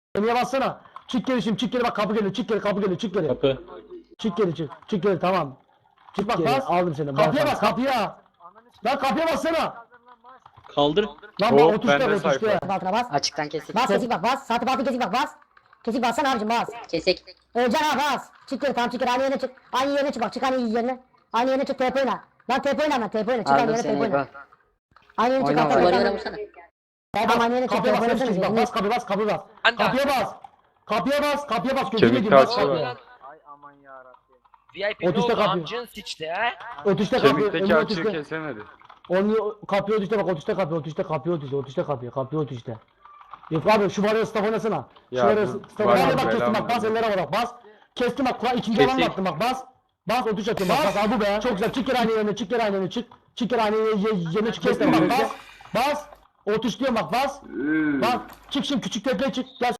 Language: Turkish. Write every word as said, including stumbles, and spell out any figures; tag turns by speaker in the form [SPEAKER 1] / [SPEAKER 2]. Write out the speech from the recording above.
[SPEAKER 1] Niye bassana? Çık geri şimdi, çık geri bak kapı geliyor, çık geri kapı geliyor, çık geri.
[SPEAKER 2] Kapı.
[SPEAKER 1] Çık geri çık, çık geri tamam. Çık bak bas. Aldım seni. Kapıya bas, kapıya. Lan kapıya bassana.
[SPEAKER 2] Kaldır.
[SPEAKER 1] Lan bak
[SPEAKER 3] Hop,
[SPEAKER 1] o tuşta,
[SPEAKER 3] bende
[SPEAKER 1] o tuşta.
[SPEAKER 3] sayfa.
[SPEAKER 4] Altına bas.
[SPEAKER 5] Açıktan kesik.
[SPEAKER 4] Bas kesik bak bas. Saati batı kesik bak bas. Kesik bassana abicim bas.
[SPEAKER 5] Kesik.
[SPEAKER 4] Öleceksin ha bas. Çık geri tamam çık geri aynı yerine çık. Aynı yerine çık bak çık aynı yerine. Aynı yerine çık T P oyna. Lan T P oyna lan T P oyna. Çık aynı
[SPEAKER 5] Aldım
[SPEAKER 4] yerine T
[SPEAKER 5] seni
[SPEAKER 4] P oyna.
[SPEAKER 5] İbo.
[SPEAKER 4] Aynı yerine çık.
[SPEAKER 5] Oyna,
[SPEAKER 4] Altta
[SPEAKER 5] oyna.
[SPEAKER 4] bir
[SPEAKER 5] Duvarlara
[SPEAKER 4] tane-
[SPEAKER 5] vursana.
[SPEAKER 4] Tamam aynı yerine çık.
[SPEAKER 1] Kapıya
[SPEAKER 4] T P
[SPEAKER 1] bas,
[SPEAKER 4] oynasana.
[SPEAKER 1] bak bas, kapıya bas, kapıya bas.
[SPEAKER 6] Anda.
[SPEAKER 1] Kapıya bas. Kapıya bas, kapıya bas. Gözünü
[SPEAKER 3] Kemik
[SPEAKER 1] yediğim bas
[SPEAKER 3] taşı var.
[SPEAKER 1] kapıya.
[SPEAKER 6] V I P ne
[SPEAKER 1] Otuzda
[SPEAKER 6] oldu?
[SPEAKER 1] kapı.
[SPEAKER 6] Amcın sıçtı ha.
[SPEAKER 1] O tuşta kapı.
[SPEAKER 3] Kemikteki
[SPEAKER 1] Onu o
[SPEAKER 3] açığı
[SPEAKER 1] tuşta.
[SPEAKER 3] kesemedi.
[SPEAKER 1] Onu kapıya o tuşta bak, o tuşta kapıya, o tuşta kapıya, o tuşta, o tuşta kapıya, kapıya o tuşta. Yok abi şu varıyor staff oynasana. Şu
[SPEAKER 3] Ya
[SPEAKER 1] varıyor
[SPEAKER 3] bu
[SPEAKER 1] staff
[SPEAKER 3] var ya,
[SPEAKER 1] oynasana. Bak kestim
[SPEAKER 3] belamı
[SPEAKER 1] bak bas
[SPEAKER 3] veriyor.
[SPEAKER 1] ellere bak bas. Kestim bak Kur'an ikinci alan
[SPEAKER 2] Kesik.
[SPEAKER 1] yaptım bak bas. Bas o tuş atıyorum bak bas al bu be. Çok güzel çık geri aynı yerine çık geri aynı yerine çık. Çık geri aynı yerine yerine çık kestim bak bas. Bas. O tuş diyorum bak bas. Bak çık şimdi küçük tepeye çık. Gel